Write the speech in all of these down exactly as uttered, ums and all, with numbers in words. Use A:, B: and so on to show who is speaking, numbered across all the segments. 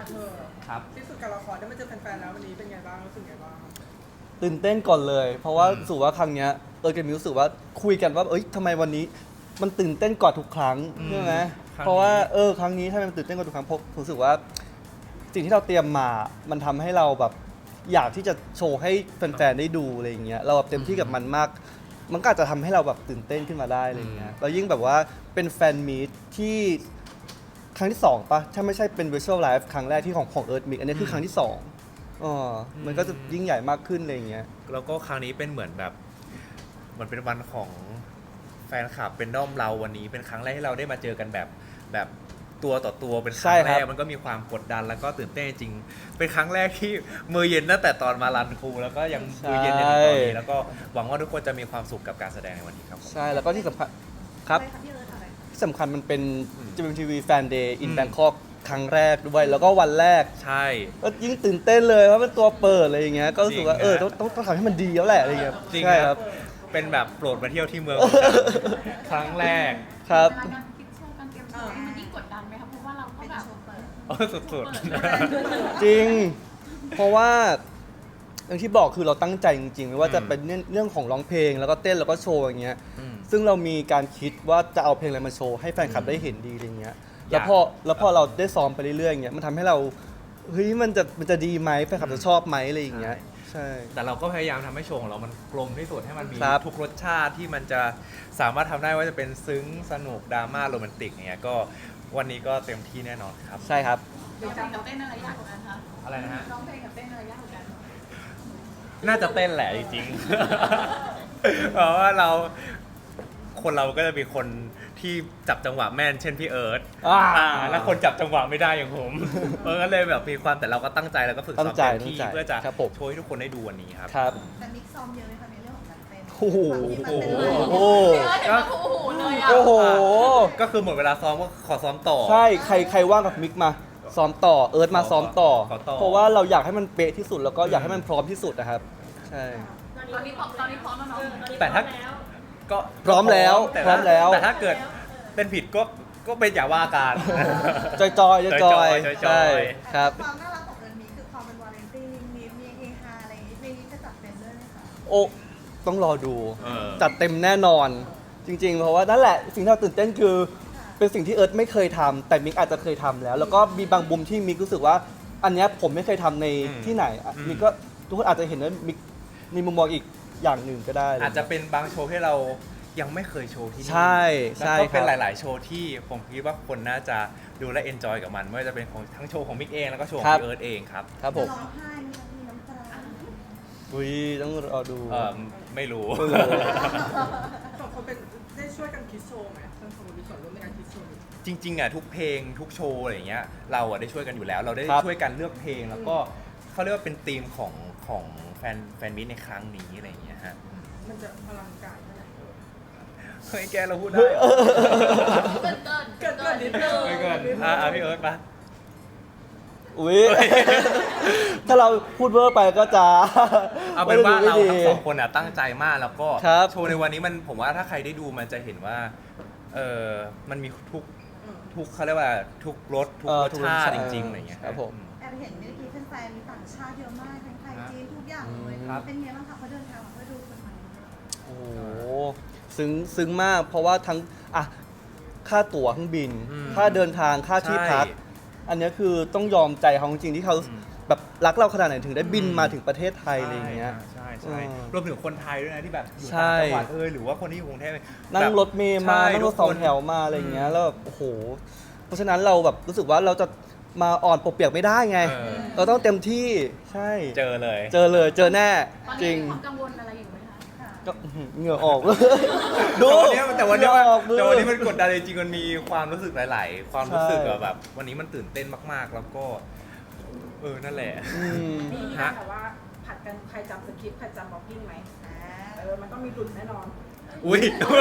A: เธอ
B: ครับ
A: ที่สุดการละครได้มาเจอแฟนๆแล้ววันนี้เป็นไงบ้างรู้สึกไงบ้าง
C: ตื่นเต้นก่อนเลย เพราะว่า
B: อืม
C: รู้สึกว่าครั้งเนี้ยเออกับมิวรู้สึกว่าคุยกันว่าเอ้ยทำไมวันนี้มันตื่นเต้นกว่าทุกครั้งใช่ไหมเพราะว่าเออครั้งนี้ทำไมมันตื่นเต้นกว่าทุกครั้งเพราะรู้สึกว่าสิ่งที่เราเตรียมมามันทำให้เราแบบอยากที่จะโชว์ให้แฟนๆได้ดูอะไรอย่างเงี้ยเราแบบเต็มที่กับมันมาก มันก็อาจจะทำให้เราแบบตื่นเต้นขึ้นมาได้อะไรอย่างเงี้ยแล้วยิ่งแบบว่าเป็นแฟนมีตที่ครั้งที่สองปะถ้าไม่ใช่เป็น Virtual Live ครั้งแรกที่ของของ Earth Mix อันนี้คือครั้งที่สองอ๋อมันก็จะยิ่งใหญ่มากขึ้นอะไรอย่างเงี้ย
B: แล้วก็ครั้งนี้เป็นเหมือนแบบเหมันเป็นวันของแฟนคลับเป็นด้อมเราวันนี้เป็นครั้งแรกที่เราได้มาเจอกันแบบแบบตัวต่อตัวเป็นค
C: ใช่
B: รั้ง
C: ครั
B: แร
C: บ
B: กมันก็มีความกดดันแล้วก็ตื่นเต้นจริงเป็นครั้งแรกที่มือเย็นตั้งแต่ตอนมารันครูแล้วก็ยังมือเย็นจนถึงตอนนี้แล้วก็หวังว่าทุกคนจะมีความสุขกับการแสดงในวันนี้ครับผม
C: ใช่แล้วก็ที่สำคัญครับ
D: อะไรคะพี่เอิร์ธอะไร
C: ที่สำคัญมันเป็น
B: อืม
C: จี เอ็ม ที วี Fan Day in
B: อืม
C: Bangkok ครั้งแรกด้วย แล้วก็วันแรก
B: ใช่
C: ก็ยิ่งตื่นเต้นเลยเพราะเป็นตัวเปิดอะไรอย่างเงี้ยก็รู้สึกว่า
B: จริงนะ
C: เออต้องต้องต้องทำให้มันดีแล้วแหละอะไรอย่างเงี้ย
B: จริง
C: ใช่
B: ค
C: ค
B: รั
C: รั
B: บบ เป็นแบบโปรดมาเที่ยวที่เมืองเหมือนกันครั้งแรก
C: ครับ
E: เวลาการคิดโชว์การเตรียมโชว์นี่มันยิ่งกดดันไหมคะเพราะว่าเราก็
D: เป็น
E: แบบ
D: โชว์เปิด
B: โอ้สุด
C: จริง เพราะว่าอย่างที่บอกคือเราตั้งใจจริงๆไม่ว่าจะเป็นเรื่องเรื่องของร้องเพลงแล้วก็เต้นแล้วก็โชว์อย่างเงี้ย
B: ๆอืม
C: ซึ่งเรามีการคิดว่าจะเอาเพลงอะไรมาโชว์ให้แฟนคลับได้เห็นดีอะไรเงี้ย
B: อยาก
C: แล้วพอแล้วพอเราได้ซ้อมไปเรื่อยๆอย่างเงี้ยมันทำให้เราเฮ้ยมันจะมันจะดีไหมแฟนคลับจะชอบไหมอะไรอย่างเงี้ยใช่
B: แต่เราก็พยายามทำให้โชว์ของเรามันกลมที่สุดให้มันมี
C: ครับ
B: ทุกรสชาติที่มันจะสามารถทำได้ว่าจะเป็นซึ้งสนุกดราม่าโรแมนติกอย่างเงี้ยก็วันนี้ก็เต็มที่แน่นอนครับ
C: ใช่ครับ
E: ร้องเพลงกับเต้นอะไรยากกว่ากันคะ
B: อะไรนะฮะ
E: ร้องเพลงกับเต้นอะไรยากกว่ากัน
B: น่าจะเต้นแหละจริงๆ เพราะว่าเราคนเราก็จะมีคนที่จับจังหวะแม่น เช่นพี่เอิร์ธ
C: อ่า
B: อ่าแล้วคนจับจังหวะไม่ได้อย่างผม เออก็เลยแบบมีความแต่เราก็ตั้งใจแล้วก็ฝึกซ้อม
C: ตั้งใจ
B: เต็มที่
C: ตั้งใจ
B: เพื่อจะ
C: ครับผม
B: โชว์ให้ทุกคนได้ดูวันนี้ครับ
C: ครับ
D: แต่มิกซ์ซ้อมเยอะไหมคะในเรื่องของการเต้น
C: โอ้โห
D: ความที่มันเป็น
C: โอ้
D: เรื่อง
C: โห
E: เดี๋ยวเห็นว่าโอ้โหเลยอ่ะ
C: โอ้โห
B: ก็คือหมดเวลาซ้อมก็ขอซ้อมต่อ
C: ใช่ใครใครว่างกับมิกมาซ้อมต่อเอิร์ธมาซ้อมต่อ
B: ขอต่อ
C: เพราะว่าเราอยากให้มันเป๊ะที่สุดแล้วก็อยากให้มันพร้อมที่สุดนะครับใช่
E: ตอนนี้พร้อมตอนนี้พร้อมแล้วเนาะ
B: แต่ถ้าก็
C: พร้อมแล้ว
B: ต่
C: พร้อมแล้ว
B: แต่ถ้าเกิดเป็นผิดก็ก็เป็นอย่าว่ากัน
C: จอยจอยจอยจอย
B: จอยๆ
C: ใช่ครับ
D: ความน่ารักของเอิร์ธมีคือความเป็นวาเลนไทน์มีมีเฮฮาอะไรอย่างงี้เพลงนี้จะจัดเต็มด้วยไหมคะ
C: โอ้ต้องรอดู
B: เออ
C: จัดเต็มแน่นอน จริง ๆ เพราะว่านั่นแหละสิ่งที่เราตื่นเต้นคือ เป็นสิ่งที่เอิร์ธไม่เคยทำแต่มิกอาจจะเคยทำแล้ว แล้วก็มีบางบุมที่มิกรู้สึกว่า อันเนี้ยผมไม่เคยทำใน
B: อืม
C: ที่ไหนอ่ะ
B: อืม
C: มิกก็ทุกคนอาจจะเห็นว่ามิกมีมุมมองอีกอย่างหนึ่งก็ได้
B: อาจจะเป็นบางโชว์ที่เรายังไม่เคยโชว์ที่นี่
C: ใช่ใช่
B: แล้วก็เป็น
C: ครับ
B: หลาย ๆ โชว์ที่ผมคิดว่าคนน่าจะดูและเอนจอยกับมันไม่ว่าจะเป็นของทั้งโชว์ของมิกเองแล้วก็โชว์ข
C: ครั
B: อง
C: บ
B: พี่เอิร์ธเองครับ
C: ครับผม
D: ร้องไห้มีน้ำมีน้ำตา
C: อุ้ยต้องรอดู
B: เออไม่รู้
C: ไม่รู้
A: สองคนเป็นได้ช่วยกันคิดโชว์ไหมทั้งสองคนมีส่วนร่วมในการคิดโชว์
B: จริง ๆ อ่ะ ทุกเพลงทุกโชว์อะไรอย่างเงี้ยเราอ่ะได้ช่วยกันอยู่แล้ว เราได้
C: ครับ
B: ช่วยกันเลือกเพลงแล้วก็เขาเรียกว่าเป็นธีมของของแฟนแฟนมิตในครั้งนี้อะไรอย่างเงี้ยฮะ
A: มันจะอลังการแค่ไหน
B: เฮ้ยแกเราพูดได้
C: เฮ้ยเออ
E: เกินเกิน
A: เกิดเกิดนิดนึง
B: ไม่เกินอ่ะอ่ะพี่เอิร์ธปะ
C: อุ้ยถ้าเราพูดเวอร์ไปก็จะ
B: เอาเป็นว่า
C: ไม่
B: เรา
C: ดี
B: ทั้งสองคนอ่ะตั้งใจมากแล้วก็
C: ครับ
B: โชว์ในวันนี้มันผมว่าถ้าใครได้ดูมันจะเห็นว่าเออมันมีทุกทุกเขาเรียกว่าทุกรสทุก
C: เออ
B: รส
C: ทุก
B: ชาติ
C: ร
B: จ
C: สชาติ
B: ริงๆอะไรอย่างเงี้ย
C: ครับผม
D: แอบเห็นเมื่อกี้แฟนๆมีต่างชาติเยอะมากทั้งไทยจีนทุกอย่างเลย
B: ครับ
D: เป็นไงบ้างคะเขาเดินทางมาเพื่อดูคนใหม่
C: โอ้โหซึ้งซึ้งมาก เพราะว่าทั้งอ่ะค่าตั๋วเครื่องบิน
B: อืม
C: ค่าเดินทางค่าที่พัก
B: ใช่
C: อันเนี้ยคือต้องยอมใจเขาจริงๆที่เขา
B: อืม
C: แบบรักเราขนาดไหนถึงได้บินมาถึงประเทศไทยอะไรอย่างเงี้ย
B: ใช่ใช่
C: อืม
B: รวมถึงคนไทยด้วยนะที่แบบอยู่
C: ใช่
B: ต่างจังหวัดเออหรือว่าคนที่อยู่กรุงเทพ
C: นั่ง
B: แบบ
C: รถเมล์มา
B: ใช่
C: นั่งรถสอง
B: ทุกคน
C: แถวมาอะไรอย่างเงี้ยแล้วแบบโอ้โห เพราะฉะนั้นเราแบบรู้สึกว่าเราจะมาอ่อนปกเปียกไม่ได้ไง
B: เออ
C: เราต้องเต็มที่ใช่
B: เจอเลย
C: เจอเลยเจอแน่
E: ตอน
C: จ
E: นี้
C: ริง
E: มีความกังวลอะไรอยู่ไหมคะ
D: ค่ะ
C: ก็อื้อหือเหงื่อออก ดู
B: แต่วันเนี้ย
C: เหงื่อออก
B: แต่วันนี้มันกดดันจริงๆมันมีความรู้สึกหลาย ๆ ความรู้สึก
C: ใช่
B: อะแบบ วันนี้มันตื่นเต้นมากๆ แล้วก็เออนั่นแหละ
C: อืม
A: มีมี
B: ฮะ
A: การแบบว่าผัดกันใครจำสคริปต์ใครจำบล็อกกิ้งไหม
D: อ่า
A: เออมันต้องมีหลุดแน่นอน
B: อุ้ย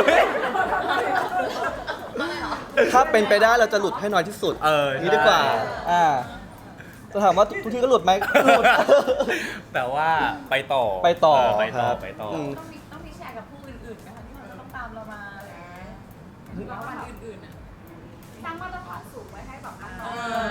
C: ถ้าเป็นไปได้เราจะหลุดให้น้อยที่สุด
B: เออ
C: นี้ดีกว่า อ่า จะถามว่าทุกที่ก็หลุดไหมหลุด
B: แต่ว่าไปต่อ
C: ไปต่อ
B: เไปต่อ
C: ครับ
B: ไปต่ออ
C: ม
E: ต้องมีต้องมีแชร์กับผู้อื่นๆไหมคะที่เขาจะต้องตามเรามาอะไรอย่างเงี้ยหรือว่าวันอื่นๆอ่ะตั้งมาตรฐานสูงไว้ให้แบบน้อง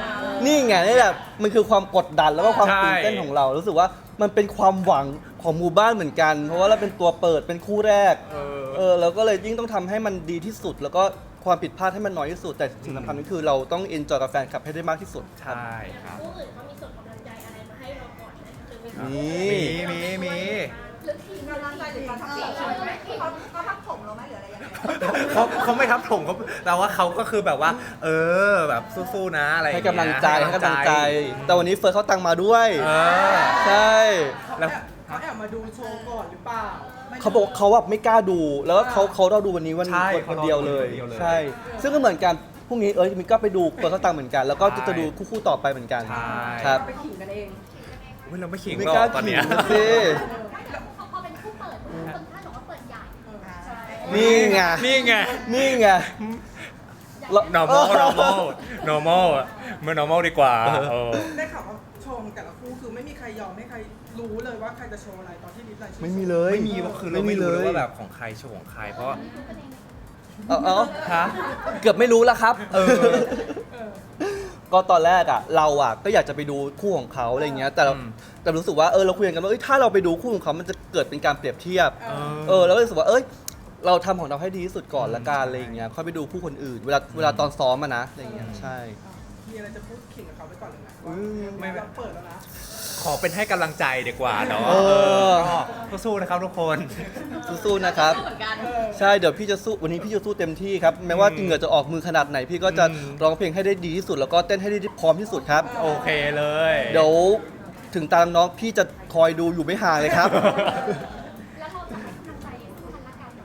C: นี่ไงนี่แหละมันคือความกดดันแล้วก็ความ
B: ใช่
C: ตื่นเต้นของเรา รู้สึกว่ามันเป็นความหวังของหมู่บ้านเหมือนกัน เพราะว่าเราเป็นตัวเปิดเป็นคู่แรก
B: เออ
C: เออเราก็เลยยิ่งต้องทำให้มันดีที่สุด แล้วก็ความผิดพลาดให้มันน้อยที่สุด แต่สิ่งสำคัญก็คือเราต้องเอนจอยกับแฟนคลับให้ได้มากที่สุดครับ
B: ใช่ครับ
F: ผู้อื่นเขามีส่งกำลังใจอะไรมาให้เราก่อนไหมคือมี
C: นี่
B: มีมีมี
F: หรือทีม
D: กำลังใจหรือการทักษิณเขาเขาทักผมเราไหมหรืออะไรยังไง
B: เขาเขาไม่ทับถมเขาแต่ว่าเขาก็คือแบบว่า เออแบบสู้ๆนะอะไรอย่า
C: ให้
B: งเงี้ย
C: กำลังใจให้กำลังใจ แต่วันนี้เฟิร์สเขาตังค์มาด้วย
B: เออ
C: ใช่
B: แล้ว
A: เขาแอบมาดูโชว์ก่อนหรือเปล่า
C: เขาบอกเขาแบบไม่กล้าดู แล้วก็เขาเขาเราดูวันนี้วัน
B: ใช่
C: คนคนเดียวเลย
B: เขารอดูคนเดียวเลย
C: ใช่ ซึ่งก็เหมือนกันพรุ่งนี้เอ้ยมินก็ไปดูเฟิร์สเขาตังค์เหมือนกัน แล้วก็จะจะดูคู่ๆต่อไปเหมือนกัน
B: ใช่
C: ครับ
A: ไปขิงกันเอง
B: อุ๊ยเราไม่ขิง
C: ไม่
B: หรอก
C: ล้า
B: ตอน
C: ขิ
B: เนี้ย
C: งสิ
F: เขาพอเป็นผู้เปิดคนท่านบอกว่าเปิดใหญ่
D: ใช่
C: นี่ไง
B: นี่ไง
C: นี่ไง
B: normal normal normal อะมัน normal ดีกว่าเออ
A: ได้ข่าวว่าโชว์ของแต่ละคู่คือไม่มีใครยอมให้ใครรู้เลยว่าใครจะโชว์อะไรตอนที่ลิสต์รายชื่อ
C: ไม่มีเลย
B: ไม่มีก็คือเราไม่รู้เลยว่าแบบของใครโชว์ของใครเพราะ
C: เอาเอา
B: ฮะ
C: เกือบไม่รู้แล้วครับ
B: เออ
A: เออ
C: ก็ตอนแรกอ่ะเราอ่ะก็อยากจะไปดูคู่ของเขาอะไรเงี้ย แต่เรา
B: อืม
C: แต่รู้สึกว่าเออเราคุยกันว่าเอ้ยถ้าเราไปดูคู่ของเขามันจะเกิดเป็นการเปรียบเทียบ
A: เออ
C: เออแล้วก็รู้สึกว่าเอ้ยเราทำของเราให้ดีที่สุดก่อนละกันอะไรอย่างเงี้ยค่อยไปดูคู่คนอื่น เวลาเวลาตอนซ้อมอะนะอะไรอย่างเงี้ยใช่
A: มีอะไรจะพูดขิงกับเขาไปก่อนเลยนะ
C: อื
A: ว่าม ไม่เราเปิดแล้วนะ
B: ขอเป็นให้กำลังใจดีกว่าเนาะ
C: เออ
B: ก็สู้นะครับทุกคน
C: สู้ๆนะครับ
E: เหมือนกัน
C: ใช่เดี๋ยวพี่จะสู้วันนี้พี่จะสู้เต็มที่ครับแม้ว่าเหงื่อจะออกมือขนาดไหน พี่ก็จะ
B: อืม
C: ร้องเพลงให้ได้ดีที่สุด แล้วก็เต้นให้ได้พร้อมที่สุดครับ
B: โอเคเลย
C: เดี๋ยวถึงตามน้องพี่จะคอยดูอยู่ไม่ห่างเลยครับ
F: แล้วเราจะให้กำลังใจซึ่งกันและกันเหรอ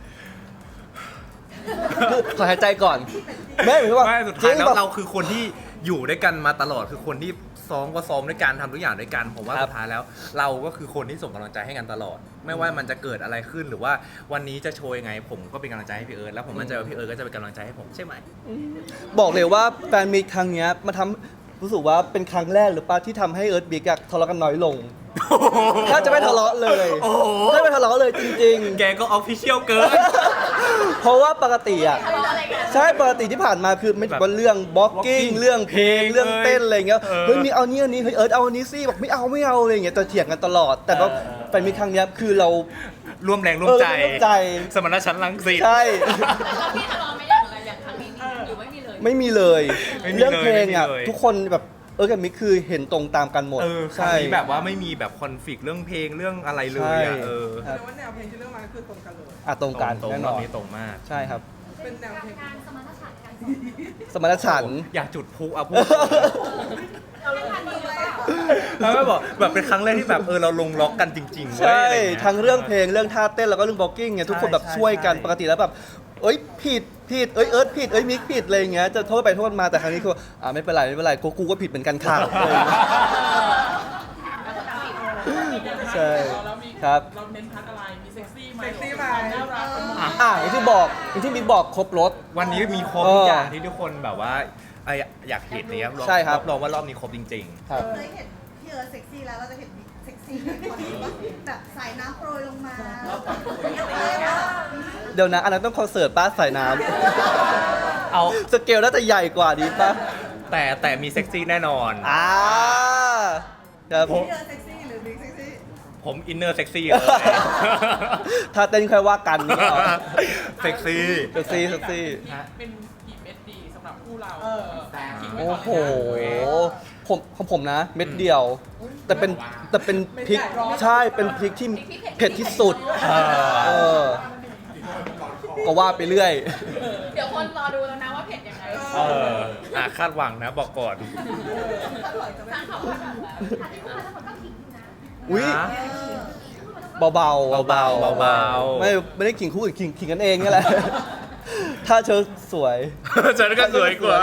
C: ขอหายใจก่อนไม่หมายถึงว่า
B: ไม่สุดท้ายแล้ว
C: จงๆ
B: เราคือคนที่อยู่ด้วยกันมาตลอดคือคนที่ซ้อมก็ซ้อมด้วยกันทำทุกอย่างด้วยกันผมว่า
C: ครับ
B: สุดท้ายแล้ว เราก็คือคนที่ส่งกำลังใจให้กันตลอด ไม่ว่ามันจะเกิดอะไรขึ้นหรือว่าวันนี้จะโชว์ยังไง ผมก็เป็นกำลังใจให้พี่เอิร์ธแล้วผมมั่นใจว่าพี่เอิร์ธก็จะเป็นกำลังใจให้ผมใช่ไหม
C: บอกเลยว่าแฟนมีตครั้งเนี้ยมาทำรู้สึกว่าเป็นครั้งแรกหรือเปล่าที่ทำให้เอิร์ธบิ๊กอะทะเลาะกันน้อยลง ถ้าจะไม่ทะเลาะเลย
B: โอ้โห
C: ถ้าไม่ทะเลาะเลยจริง
B: แกก็ออฟฟิเชียลเกิน
C: ๆ เพราะว่าปกติอะ
E: ทะเลาะอะไรกัน
C: ใช่ปกติที่ผ่านมาคือไม่
B: แบบ
C: ว่าเรื่องบล็อกกิ้ง
B: blocking
C: เรื่องเพลง
B: เพลง
C: เรื่องเต้นอะไรเงี้ย
B: เออ
C: เฮ้ยมีเอานี้อันนี้เฮ้ยเอิร์ธเอาอันนี้สิบอกไม่เอาไม่เอาอะไรเงี้ยจะเถียงกันตลอด แต่ก็
B: เออ
C: แฟนมีตครั้งเนี้ยคือเรา
B: ร่วมแรงร่วมใจ
C: เออร่วมใจ
B: สมรรถฉันท์ลังสิต
C: ใช่
E: แล้วพี่ทะเลาะไม่อย่างไรอย่างครั้งนี้มีหรือไม่มีเลย
C: ไม่มีเลย
B: ไม่มี
C: เรื่องเพลงอ่ะ
B: เลยไม่มีเลย
C: ทุกคนแบบเออกับมิกคือเห็นตรงตามกันหมด
B: เออครั้ง
C: ใช่
B: นี้แบบว่าไม่มีแบบคอนฟ lict เรื่องเพลงเรื่องอะไรเลย
C: ใช่
B: อะเออ
C: ครับ
A: แต่ว่าแนวเพลงที่เลือกมาก็คือตรงกันเลย
C: อ่ะตรงกัน
B: ตรง
C: แน่
B: ๆ
C: น
B: ร
C: อ
B: อบ
C: น
B: นี้ตรงมาก
C: ใช่ครับ
A: เป็นแนวเพลง
F: การสมรรถฉันท์กัน
C: สมรรถฉันท์
B: อยากจุดพลุอ่ะพูด
E: เราเล่นกันดีหรือเปล่า
B: แล้วก็บอกแบบเป็นครั้งแรกที่แบบเออเราลงล็อกกันจริงๆเว้ย
C: ใช่
B: อะไรย่าเย
C: ทั้งเรื่องเพลงเรื่องท่าเต้นแล้วก็เรื่องบล็อกกิ้งเนี่ยทุกคนแบบ
B: ใช่
C: ช่วยกัน
B: ใช่
C: ปกติแล้วแบบเอ้ยผิดผิดเอ้ยเอิร์ธผิดเอ้ยมิกผิดอะไรอย่างเงี้ยจะโทษไปโทษมาแต่ครั้งนี้คืออ่าไม่เป็นไรไม่เป็นไรกูกูก็ผิดเหมือนกันค่ะอะไรอย่างเงี้ยใช่ครับ
G: เราเน้นพัดอะไร มีเซ็กซี่ไหม
A: เซ็กซี่ไหม
G: ความน่ารักเป็นหมด
C: อ่าอย่างที่บอกอย่างที่มิกบอกครบรถ
B: วันนี้มีครบ
C: เออ
B: ทุกอย่างที่ทุกคนแบบว่าเอ่ออยากเห็นเลยครับ
C: ใช่ครับ
B: รองว่ารอบนี้ครบจริง
C: ครับ
D: เคยเห็นพี่เอิร์ธเซ็กซี่แล้วเราจะเห็นบิ๊กเซ็กซี่ในคนที่ว่าแบบสายน้ำโปรยลงมาอะไรวะ
C: เดี๋ยวนะอันนั้นต้องคอนเสิร์ตป้าสายน้
B: ๆ เอา
C: ำสเกลน่าจะใหญ่กว่าดีป่ะ
B: แต่แต่มีเซ็กซี่แน่นอน
C: อ่าครับ
D: พี่เอิร์ธเซ็กซี่หรือบิ๊กเซ็กซี่
B: ผมอินเนอร์เซ็กซี่เลย
C: ถ้าเต้นค่อยว่ากันนี่เหรอ
B: เซ็กซี่
C: เซ็กซี่เซ็กซี่
G: เป็นกี่เม็ดดีสำหรับคู่เรา
A: เออ
G: ทิ้งไว้
C: โอ้
G: ก่อน
C: โห
G: เลยนะ
C: ผมของผมนะ เม็ดเดียว แต่เป็นแต่เป็นพริกใช่เป็นพริกที่เผ็ดที่สุด
B: เออ
C: เออ ก็ว่าไปเรื่อย
E: เดี๋ยวคนรอดูแล้วนะว่าเผ็ดยังไง
B: เอออ่ะคาดหวังนะบอกก่อน
E: สร้างความคาดหวังแล้ว
F: อันนี้พูดมาทั้งหมดก็ขิงอยู่นะ
C: อุ้ย
B: นะ
C: เบาๆเบาๆ
B: เบาๆเบาๆ
C: ไม่ไม่ได้ขิงคู่อื่นขิงขิงกันเองนี่แหละ ถ้าเธอสวย
B: ฉันก็สวยกว่า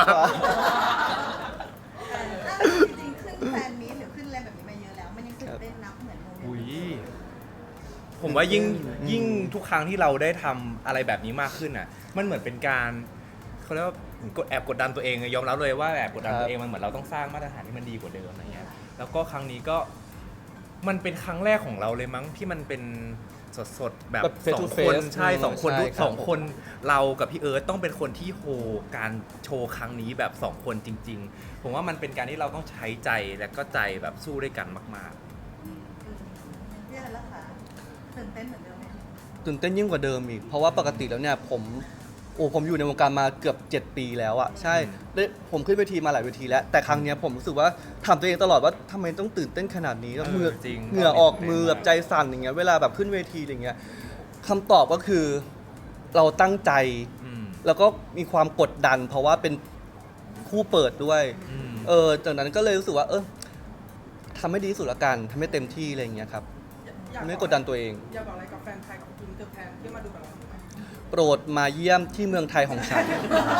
D: จริงๆขึ้นแฟนมีตหรือขึ้นอะไรแบบนี้มาเยอะแล้ว มันยังตื่นเต้นนับเหมือนโมเมนต์
B: อุ้ยผมว่ายิ่งยิ่งทุกครั้งที่เราได้ทำอะไรแบบนี้มากขึ้นอ่ะ มันเหมือนเป็นการเขาเรียกว่าเหมือนกดแอบกดดันตัวเองยอมรับเลยว่าแอบกดดันตัวเองมันเหมือนเราต้องสร้างมาตรฐานที่มันดีกว่าเดิมอะไรเงี้ยแล้วก็ครั้งนี้ก็มันเป็นครั้งแรกของเราเลยมั้งที่มันเป็นสดๆแบบ
C: แบบ face
B: สอ
C: to
B: งคน
C: face
B: ใช่สองคน
C: ใช่
B: ทุก
C: ครับ
B: สองคนเรากับพี่เอิร์ธต้องเป็นคนที่โฮการโชว์ครั้งนี้แบบสองคนจริง ๆ ผมว่ามันเป็นการที่เราต้องใช้ใจและก็ใจแบบสู้ด้วยกันมาก
D: พี่อะไรล่ะคะตื่นเต้นเหมือนเดิมไหม
C: ตื่นเต้นยิ่งกว่าเดิมอีก เพราะว่าปกติแล้วเนี่ยผมโอ้ผมอยู่ในวงการมาเกือบเจ็ดปีแล้วอะใช่ได้ผมขึ้นเวทีมาหลายเวทีแล้ว แต่ครั้งเนี้ยผมรู้สึกว่าถามตัวเองตลอดว่าทำไมต้องตื่นเต้นขนาดนี้แล้ว
B: เออ
C: เหงื่อ
B: จริง
C: เหงื่อออกมือแบบใจสั่นอย่างเงี้ยเวลาแบบขึ้นเวทีอะไรเงี้ยคำตอบก็คือเราตั้งใจ
B: ๆอืม
C: แล้วก็มีความกดดัน เพราะว่าเป็นคู่เปิดด้วย
B: อืม
C: เออจากนั้นก็เลยรู้สึกว่า เออทำให้ดีที่สุดละกันทำให้เต็มที่อะไรอย่างเงี้ยครับ
A: อยาก
C: ไม่กดดันตัวเอง
A: อยากบอกอะไรกับแฟนไทยกับอินเตอร์แฟนที่มาดูกับเราไหม
C: โปรดมาเยี่ยมที่เมืองไทยของฉัน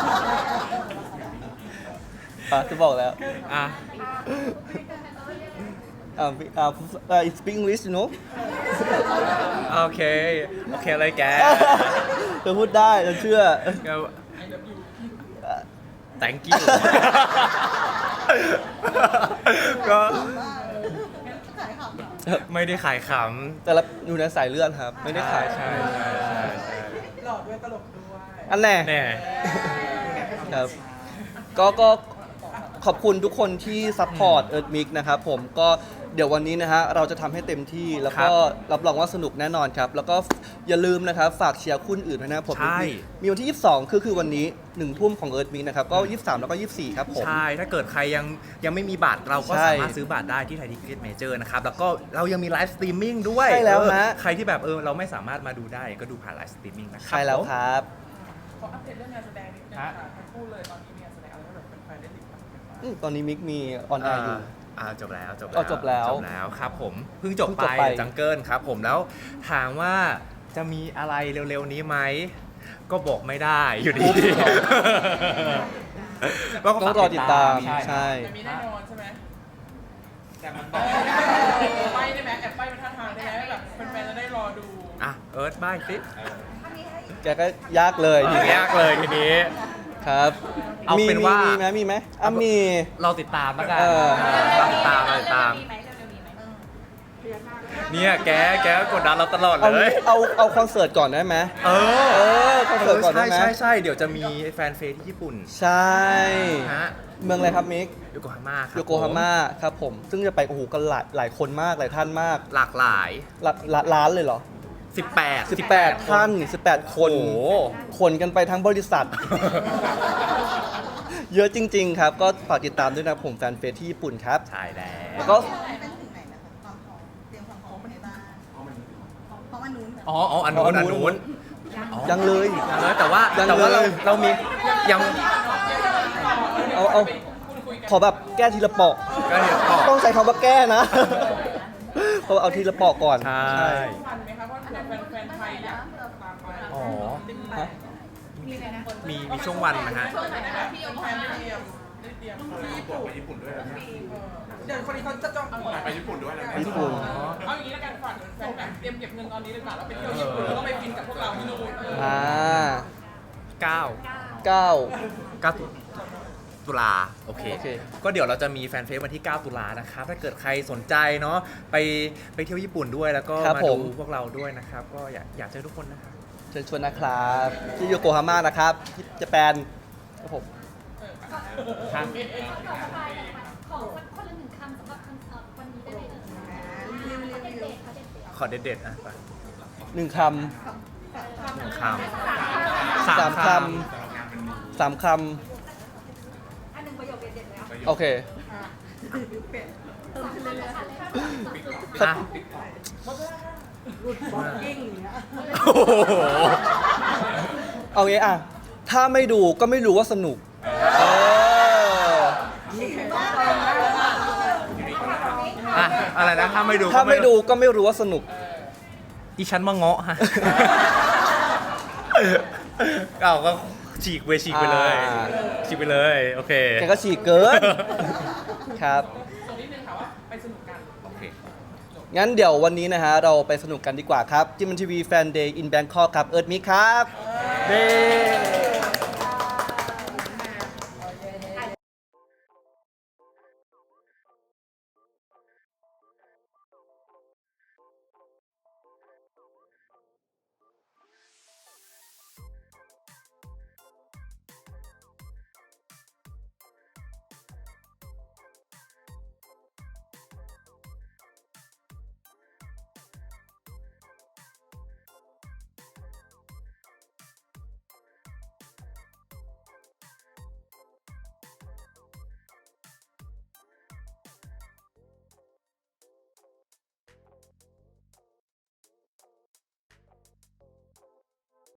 C: อ่ะจะบอกแล้ว
B: อ่ะ
C: อ่าอ่าอ่า speak English you know
B: โอเค โอเคเลยแก
C: เธอพูดได้เราเชื่อ
B: ก็ thank you ก็
D: ขายขำเหรอ
B: ไม่ได้ขายข
C: แต่ละอยู่ในสายเลือดครับ ไม่
B: ำ
C: ได้ขาย
B: ใช่ใช่ใช่ใช่
A: หล่อด้วยตลกด้วย
C: อันแน่
B: แน่
C: ครับ ก็ก็ขอบคุณทุกคนที่ซัพพอร์ตเอิร์ธมิกนะครับผมก็เดี๋ยววันนี้นะฮะเราจะทำให้เต็มที่แล้วก็รับรองว่าสนุกแน่นอนครับ แล้วก็อย่าลืมนะครับฝากเชียร์คู่อื่นด้วยนะครับผม
B: ใช่
C: มีมีวันที่ ยี่สิบสอง คือคือวันนี้หนึ่งทุ่มของเอิร์ธมิกนะครับก็ยี่สิบสามแล้วก็ยี่สิบสี่ครับผม
B: ใช่ ถ้าเกิดใครยังยังไม่มีบัตรเราก็
C: ใช่
B: สามารถซื้อบัตรได้ที่ไทยทิเก็ตเมเจอร์นะครับ แล้วก็เรายังมีไลฟ์สตรีมมิ่งด้วย
C: ใช่แล้ว
B: เออ
C: ฮะ
B: ใครที่แบบเออเราไม่สามารถมาดูได้ก็ดูผ่านไลฟ์สตรีมมิ่งนะครับ
C: ใช่แล้วครับ
G: ขออัปเดตเรื่องงานแสดงนิดนึงค่ะทั้งคู่เลยตอนนี้มีงานแสดงอะไรให้แบบแฟนๆได้ติดตามกันบ้าง
C: อืมตอนนี้มิกมีออนแอ
B: อ่า
C: ร์อยู่
B: อ่าจบแล้วจบ
C: อ๋อจบแล้ว
B: จบแล้วครับผมเพิ่งจบ
C: เพิ่ง
B: ไป
C: จบไป
B: จังเกิลครับผมแล้วถามว่าจะมีอะไรเร็วๆนี้ไหมก็บอกไม่ได้อยู่ดีก็
C: ต้องรอติดตาม
B: ใช่
C: ใช่
G: จะมีแน่นอนใช่ไหม
B: แต่มัน
G: ไปได้ไหมแอบไปเป็นท่าทางได้ไหมแบบแฟนๆจะได้รอดู
B: อ่ะเอิร์ธบ้ายสิ
C: แกก็ยากเลย
B: ทีนี้ยากเลยทีนี้
C: ครับ
B: เอาเป็นว่ามี
C: มีไหมมีไหมอ่ะมี
B: เราติดตามแล้วกัน
C: เออ
B: เราติดตามเราติดตาม
E: มีไหมเร็วๆมีไหม
B: เนี่ยแกแกก็กดดันเราตลอด
C: เอา
B: เลย
C: เอาเอาคอนเสิร์ตก่อนได้ไหม
B: เออ
C: เออคอนเสิร์ตก่อนได้
B: ใช่
C: ไหม
B: ใช่ใช่เดี๋ยวจะมีแฟนเฟสที่ญี่ปุ่น
C: ใช่
B: ฮะ
C: เมืองอะไรครับมิก
B: โยโกฮาม่าครับ
C: โยโกฮาม่าครับผม ซึ่งจะไปโอ้โหกันหลายหลายคนมากหลายท่านมาก
B: หลากหลาย
C: หลักหลักล้านเลยเหรอ
B: สิบแปด
C: สิบแปดท่านสิบแปดคน
B: โอ้โห
C: คนกันไปทั้งบริษัท เยอะจริง ๆ ครับ ก็ฝากติดตามด้วยนะผมแฟนเฟสที่ญี่ปุ่นครับ
B: ใช่แล้
C: แล้ว วก็
D: เป็นถึงไหนนะคะความพร้อมเตรียมความพร้อมในบ้านเพราะมันนู้น
B: อ๋ออ๋ออันนู้นอันนู้นอ๋อ
C: ยังเลย
B: ยังเลยแต่ว่า
C: ยัง
B: แต่ว่าเรา
C: เลย
B: เรามียัง
C: เอาเอาขอแบบแก้ทีละปอก
B: ก็เห็นต่อ
C: ต้องใช้คำว่าแก้นะ เพราะว่าเอาทีละปอกก่อน
B: ใช่
G: วันไหมคะว่าแฟนๆไทยอยากตามไป
B: อ๋อ
C: ฮะ
E: มีไหมนะ
B: มีมีช่วงวันนะฮะ
E: ช่วงไหนนะคะพี่ยก
G: แฟ
E: มาน
G: ได้เตรียมได้เตรียม
A: เดี๋ยวคนนี้เขาจะจองตั๋ว
H: ไปญี่ปุ่นด้วยนะ
C: ญี่ปุ่น
G: เอาอย่างนี้แล้วกันฝากแฟนแบบเตรียมเก็บเงินตอนนี้เลยค่ะแล้วไปเที่ยวญี่ปุ่นแล้วก็ไปกินกับพวกเราที่นู่นเออ
C: อ่า
B: เก้า
C: เก้า
B: เก้าตุลาโอเค
C: โอเค
B: ก็เดี๋ยวเราจะมีแฟนเฟซวันที่ เก้า ตุลานะครับ ถ้าเกิดใครสนใจเนาะไปไปเที่ยวญี่ปุ่นด้วยแล้วก็
C: ครับ
B: มา
C: ผ
B: ดู
C: ม
B: พวกเราด้วยนะครับ ก็อยากอยากเจอทุกคนนะครับ
C: เชิญชวนนะครับ ที่โยโกฮาม่านะครับที่ญี่ปุ่นครับผม
B: ครับ
F: ขอสบายกันไปขอคนละหนึ่งคำสำหรับคอนเสิร์ตวันนี้ได้ไหมเอ่ย
D: รีวิวรี
F: เขา
D: วิ
F: เด็
D: ว
F: ดๆเขาเด็ด
B: ขอเด็ดๆอ่ะไป
C: หนึ่งค
B: หนึ่งค
C: ำ
B: ำ
C: สามคำสามค
F: อันหนึ่งประโยคเด็ดๆแล้ว
C: ำโอเค
F: สามคำเลยค่ะ
B: อ่ะ
A: บ็อกกิ้งอย่างเงี้ย
B: โอ้โห
C: เอางี้อ่ะ ถ้าไม่ดูก็ไม่รู้ว่าสนุก เออ
B: อ่ะอะไรนะถ้าไม่ดู
C: ถ้า
B: ก็
C: ไม่ดูก็ไม่รู้ว่าสนุก
B: อีฉันมาเงาะฮะ เอาก็ฉีกไปฉีกไปเลย
C: อ่า
B: ฉีกไปเลย โอเค
C: แกก็ฉีกเกิน ครับ
G: ส่วนนิดนึงค่ะว่าไปสนุกกัน
B: โอเค
C: งั้นเดี๋ยววันนี้นะฮะ เราไปสนุกกันดีกว่าครับจิมมันทีวีแฟนเดย์อินแบงคอกครับ เอิร์ธมิกครับเด้